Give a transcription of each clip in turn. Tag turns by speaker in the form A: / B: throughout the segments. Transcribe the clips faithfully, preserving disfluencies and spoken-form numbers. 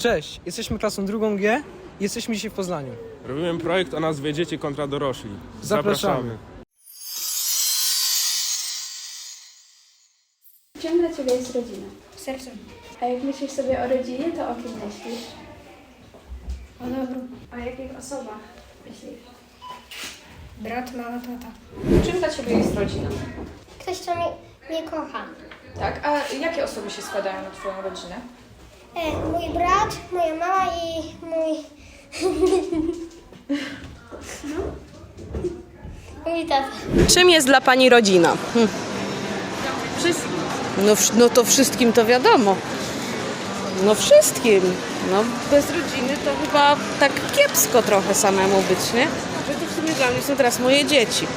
A: Cześć, jesteśmy klasą drugą G i jesteśmy dzisiaj w Poznaniu.
B: Robimy projekt o nazwie Dzieci kontra dorośli.
A: Zapraszamy.
C: Czym dla Ciebie jest rodzina?
D: Sercem.
C: A jak myślisz sobie o rodzinie, to o kim myślisz?
D: O dobru.
C: O jakich osobach myślisz?
D: Brat, mama, tata.
E: Czym dla Ciebie jest rodzina?
D: Ktoś, kto mnie, mnie kocha.
E: Tak, a jakie osoby się składają na Twoją rodzinę?
D: E, mój brat, moja mama i mój... mój tata.
F: Czym jest dla Pani rodzina? Hm. No, wsz- no to wszystkim to wiadomo. No wszystkim. No bez rodziny to chyba tak kiepsko trochę samemu być, nie? Że to w sumie dla mnie są teraz moje dzieci.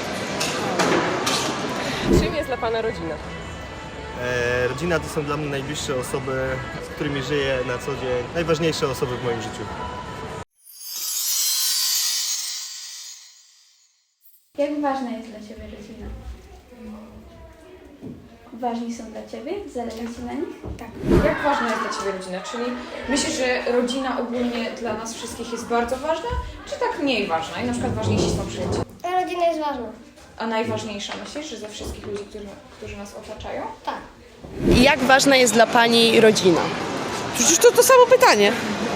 E: Czym jest dla Pana rodzina?
G: E, rodzina to są dla mnie najbliższe osoby, z którymi żyję na co dzień. Najważniejsze osoby w moim życiu.
C: Jak ważna jest dla Ciebie rodzina? Ważni są dla Ciebie? Zależy Ci na nich?
E: Tak. Jak ważna jest dla Ciebie rodzina? Czyli myślisz, że rodzina ogólnie dla nas wszystkich jest bardzo ważna, czy tak mniej ważna i na przykład ważniejsi są przyjaciele?
D: Rodzina jest ważna.
E: A najważniejsza myślisz, że ze wszystkich ludzi, którzy, którzy nas otaczają?
D: Tak.
F: I jak ważna jest dla Pani rodzina? Przecież to to samo pytanie.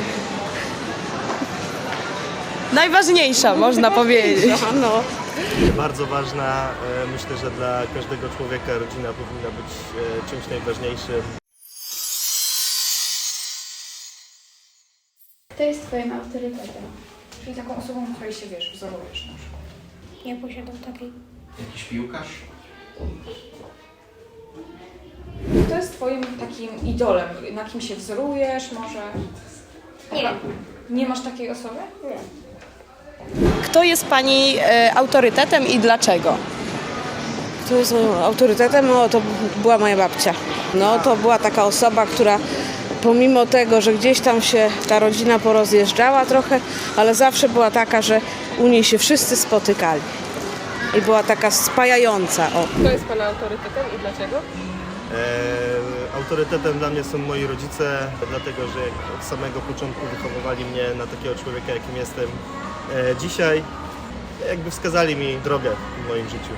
F: Najważniejsza, można powiedzieć. No.
G: Bardzo ważna, e, myślę, że dla każdego człowieka rodzina powinna być e, czymś najważniejszym.
C: Kto jest Twoim autorytetem?
E: Czyli taką osobą, której się wiesz, wzorujesz na przykład.
D: Nie posiadam takiej.
H: Jakiś piłkarz?
E: Kto jest Twoim takim idolem? Na kim się wzorujesz może?
D: Nie.
E: Nie masz takiej osoby?
D: Nie.
F: Kto jest Pani e, autorytetem i dlaczego? Kto jest moim autorytetem? No to była moja babcia. No to była taka osoba, która pomimo tego, że gdzieś tam się ta rodzina porozjeżdżała trochę, ale zawsze była taka, że u niej się wszyscy spotykali. I była taka spajająca. O.
E: Kto jest Pana autorytetem i dlaczego?
G: E, autorytetem dla mnie są moi rodzice, dlatego że od samego początku wychowywali mnie na takiego człowieka, jakim jestem e, dzisiaj. Jakby wskazali mi drogę w moim życiu.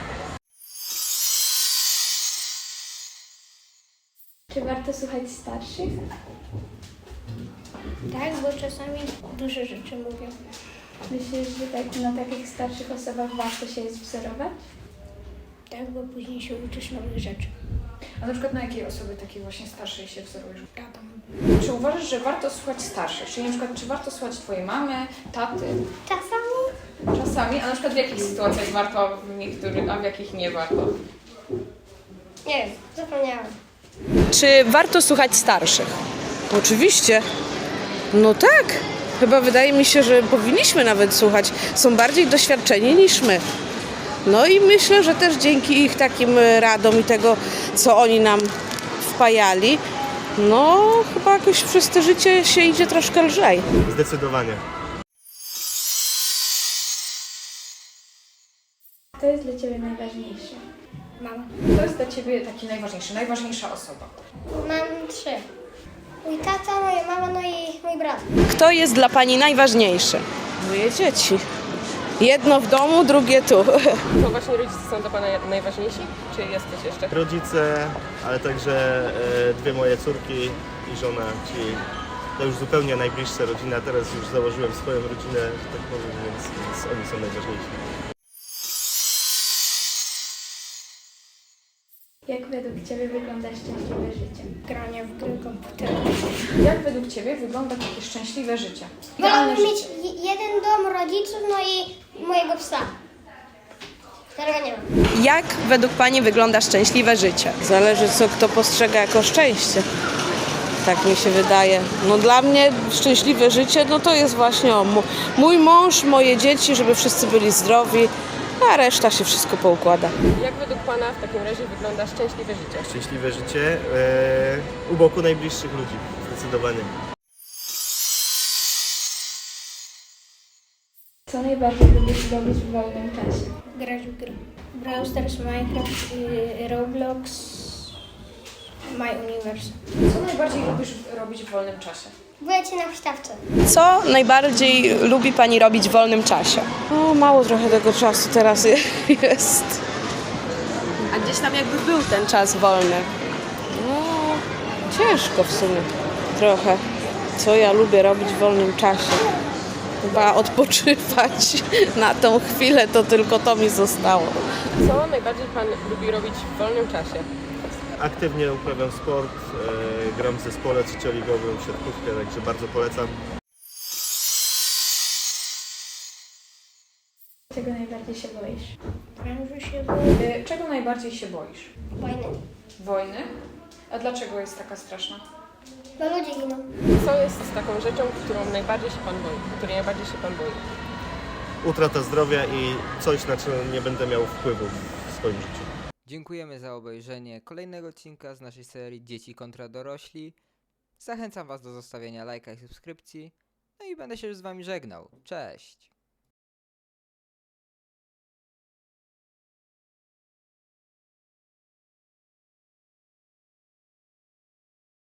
C: Czy warto słuchać starszych?
D: Tak, bo czasami duże rzeczy mówią.
C: Myślisz, że tak, na takich starszych osobach warto się jest wzorować?
D: Tak, bo później się uczysz nowych rzeczy.
E: A na przykład na jakiej osoby takiej właśnie starszej się wzorujesz?
D: Tata.
E: Czy uważasz, że warto słuchać starszych? Czyli na przykład, czy warto słuchać Twojej mamy, taty?
D: Czasami?
E: Czasami, a na przykład w jakich sytuacjach warto, a w niektórych, a w jakich nie warto?
D: Nie wiem, zapomniałam.
F: Czy warto słuchać starszych? Oczywiście. No tak. Chyba wydaje mi się, że powinniśmy nawet słuchać. Są bardziej doświadczeni niż my. No i myślę, że też dzięki ich takim radom i tego, co oni nam wpajali, no chyba jakoś przez to życie się idzie troszkę lżej.
G: Zdecydowanie.
C: Kto jest dla Ciebie najważniejszy?
D: Mama.
E: Kto jest dla Ciebie taki najważniejszy, najważniejsza osoba?
D: Mam trzy. Mój tata, moja mama, no i mój brat.
F: Kto jest dla Pani najważniejszy? Moje dzieci. Jedno w domu, drugie tu.
E: To właśnie rodzice są dla Pana najważniejsi? Czy jest coś jeszcze?
G: Rodzice, ale także e, dwie moje córki i żona, czyli to już zupełnie najbliższa rodzina. Teraz już założyłem swoją rodzinę, że tak powiem, więc, więc oni są najważniejsi.
C: Jak według Ciebie wygląda szczęśliwe życie?
D: Granie w gry komputerowe.
E: Jak według Ciebie wygląda takie szczęśliwe życie?
D: Wolałabym
E: Idealne
D: mieć
E: życie.
D: je- jeden dom, rodziców, no i mojego psa. Którego nie mam.
F: Jak według Pani wygląda szczęśliwe życie? Zależy, co kto postrzega jako szczęście. Tak mi się wydaje. No dla mnie szczęśliwe życie, no to jest właśnie o, mu- mój mąż, moje dzieci, żeby wszyscy byli zdrowi, a reszta się wszystko poukłada.
E: Jak według Pana w takim razie wygląda szczęśliwe życie?
G: Szczęśliwe życie e, u boku najbliższych ludzi, zdecydowanie.
C: Co najbardziej lubisz robić w wolnym czasie?
D: Grać w gry. Brawl Stars, Minecraft, y, Roblox. My Universe.
E: Co najbardziej lubisz robić w wolnym czasie?
D: Bycie na huśtawce.
F: Co najbardziej lubi pani robić w wolnym czasie? O, mało trochę tego czasu teraz jest. A gdzieś tam jakby był ten czas wolny. No, ciężko w sumie trochę. Co ja lubię robić w wolnym czasie? Chyba odpoczywać na tą chwilę, to tylko to mi zostało.
H: Co najbardziej Pan lubi robić w wolnym czasie?
G: Aktywnie uprawiam sport, e, gram w zespole trzecioligowym, siatkówkę, także bardzo polecam.
C: Czego najbardziej się boisz?
D: Prężu się boję.
E: Y, Czego najbardziej się boisz?
D: Wojny.
E: Wojny? A dlaczego jest taka straszna?
D: Bo ludzie giną.
H: Co jest taką rzeczą, którą najbardziej się Pan boi? Której najbardziej się Pan boi?
G: Utrata zdrowia i coś, na co nie będę miał wpływu w swoim życiu.
I: Dziękujemy za obejrzenie kolejnego odcinka z naszej serii Dzieci kontra dorośli. Zachęcam Was do zostawienia lajka i subskrypcji. No i będę się już z Wami żegnał. Cześć!